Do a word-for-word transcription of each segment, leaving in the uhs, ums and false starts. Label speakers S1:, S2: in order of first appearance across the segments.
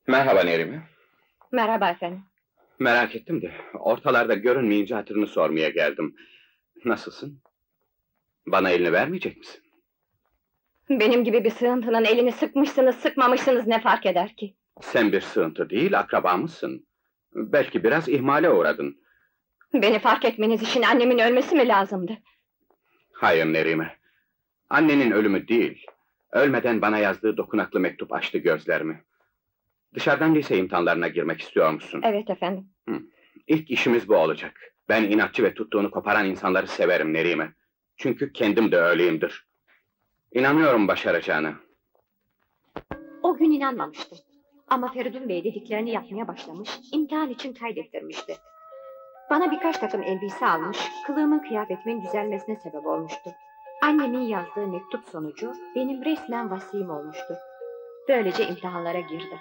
S1: Merhaba Nerime.
S2: Merhaba efendim.
S1: Merak ettim de, ortalarda görünmeyince hatırını sormaya geldim. Nasılsın? Bana elini vermeyecek misin?
S2: Benim gibi bir sığıntının elini sıkmışsınız, sıkmamışsınız ne fark eder ki?
S1: Sen bir sığıntı değil, akrabamızsın. Belki biraz ihmale uğradın.
S2: Beni fark etmeniz için annemin ölmesi mi lazımdı?
S1: Hayır Nerime. Annenin ölümü değil, ölmeden bana yazdığı dokunaklı mektup açtı gözlerimi. Dışarıdan lise imtihanlarına girmek istiyor musun?
S2: Evet efendim.
S1: İlk işimiz bu olacak. Ben inatçı ve tuttuğunu koparan insanları severim Nerime. Çünkü kendim de öyleyimdir. İnanıyorum başaracağına.
S2: O gün inanmamıştım. Ama Feridun Bey dediklerini yapmaya başlamış, imtihan için kaydettirmişti. Bana birkaç takım elbise almış, kılığımın kıyafetimin düzelmesine sebep olmuştu. Annemin yazdığı mektup sonucu benim resmen vasiyim olmuştu. Böylece imtihanlara girdi.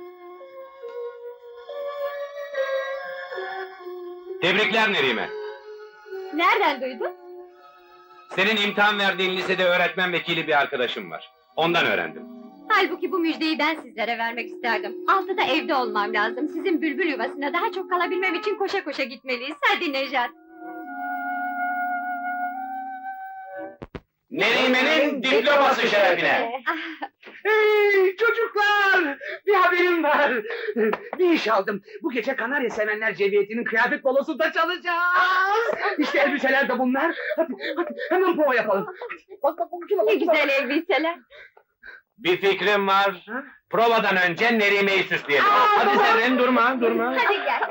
S3: Tebrikler Nerime.
S2: Nereden duydun?
S3: Senin imtihan verdiğin lisede öğretmen vekili bir arkadaşım var. Ondan öğrendim.
S2: Halbuki bu müjdeyi ben sizlere vermek isterdim. Altıda evde olmam lazım. Sizin bülbül yuvasına daha çok kalabilmem için koşa koşa gitmeliyiz. Hadi Nejat.
S3: Nerime'nin diploması şerefine.
S4: Hey çocuklar! Bir haberim var. Bir iş aldım. Bu gece Kanarya Sevenler Cemiyeti'nin kıyafet balosunda çalacağız. İşte elbiseler de bunlar. Hadi, hadi hemen prova yapalım. Hadi, bak bak bak. şuna bak,
S2: Ne
S4: şuna.
S2: güzel elbiseler.
S3: Bir fikrim var.
S4: Ha?
S3: Provadan önce Nerime'yi süsleyelim.
S4: Aa,
S3: Hadi
S4: baba!
S3: Zerrin durma durma.
S2: Hadi gel.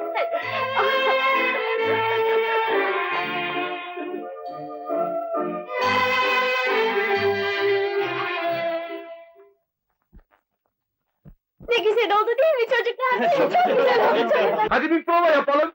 S2: Ne güzel oldu değil mi çocuklar? Değil mi? Çok güzel oldu çocuklar.
S4: Hadi bir prova yapalım.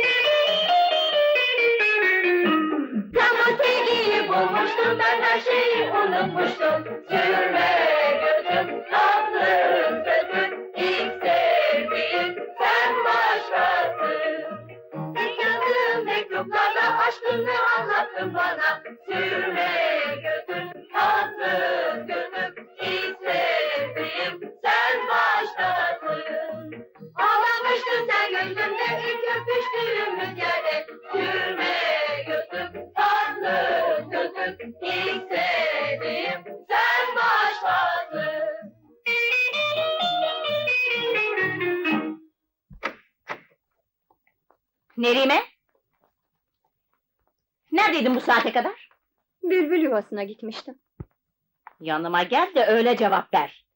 S2: Tam o sevgiyi bulmuştum, ben her şeyi unutmuştum. Sürme gözüm, tatlı sözün, ilk sevdiğim sen başkasın. İlk yazdığım mektuplarla aşkını anlattın bana. Sürme gözüm, tatlı gözüm, ilk sevdiğim sen başkasın. Ağlamıştın sen gözümde, ilk öpüştüğümüz yerde. Sürme gözüm, tatlı gözüm, ilk sevdiğim sen başkasın. Nerime? Neredeydin bu saate kadar? Bülbül yuvasına gitmiştim. Yanıma gel de öyle cevap ver.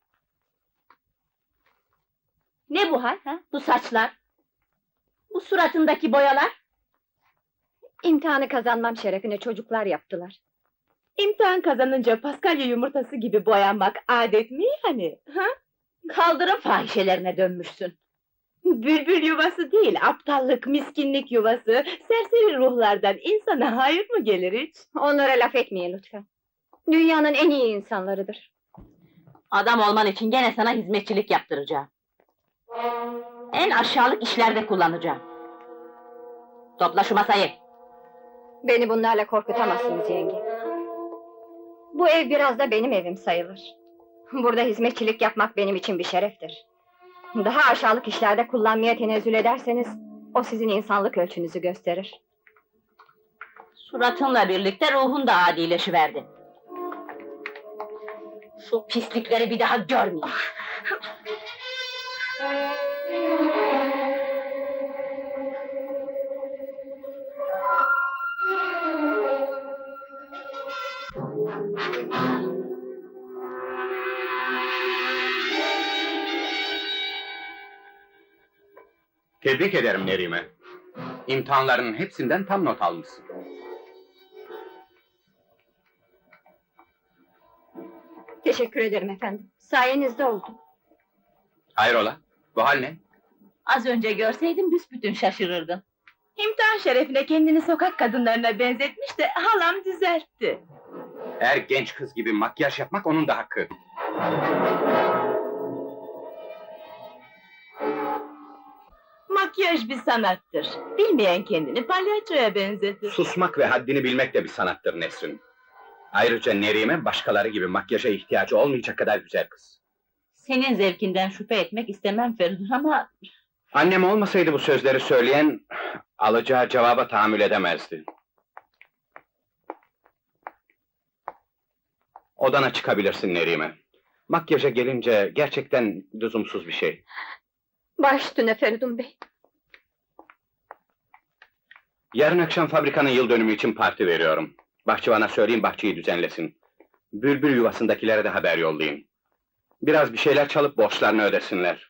S2: Ne bu hal ha? Bu saçlar? Bu suratındaki boyalar? İmtihanı kazanmam şerefine çocuklar yaptılar.
S5: İmtihan kazanınca Paskalya yumurtası gibi boyanmak adet mi yani? Ha?
S2: Kaldırım fahişelerine dönmüşsün.
S5: Bülbül yuvası değil, aptallık, miskinlik yuvası, serseri ruhlardan insana hayır mı gelir hiç?
S2: Onlara laf etmeyin lütfen. Dünyanın en iyi insanlarıdır.
S6: Adam olman için gene sana hizmetçilik yaptıracağım. En aşağılık işlerde kullanacağım. Topla şu masayı.
S2: Beni bunlarla korkutamazsınız yenge. Bu ev biraz da benim evim sayılır. Burada hizmetçilik yapmak benim için bir şereftir. Daha aşağılık işlerde kullanmaya tenezzül ederseniz, o sizin insanlık ölçünüzü gösterir.
S6: Suratınla birlikte ruhun da adileşiverdi. Şu pislikleri bir daha görmeyeyim.
S1: Tebrik ederim Nerime. İmtihanlarının hepsinden tam not almışsın.
S2: Teşekkür ederim efendim. Sayenizde oldu.
S1: Hayrola? Bu hal ne?
S6: Az önce görseydin büsbütün şaşırırdın.
S5: İmtihan şerefine kendini sokak kadınlarına benzetmiş de halam düzeltti.
S1: Her genç kız gibi makyaj yapmak onun da hakkı.
S5: Makyaj bir sanattır. Bilmeyen kendini palyaçoya benzetir.
S1: Susmak ve haddini bilmek de bir sanattır Nesrin. Ayrıca Nerime başkaları gibi makyaja ihtiyacı olmayacak kadar güzel kız.
S6: Senin zevkinden şüphe etmek istemem Feridun ama...
S1: Annem olmasaydı bu sözleri söyleyen, alacağı cevaba tahammül edemezdi. Odana çıkabilirsin Nerime. Makyaja gelince gerçekten lüzumsuz bir şey.
S2: Baş üstüne Feridun Bey.
S1: Yarın akşam fabrikanın yıl dönümü için parti veriyorum. Bahçıvana söyleyeyim bahçeyi düzenlesin. Bülbül yuvasındakilere de haber yollayayım. Biraz bir şeyler çalıp borçlarını ödesinler.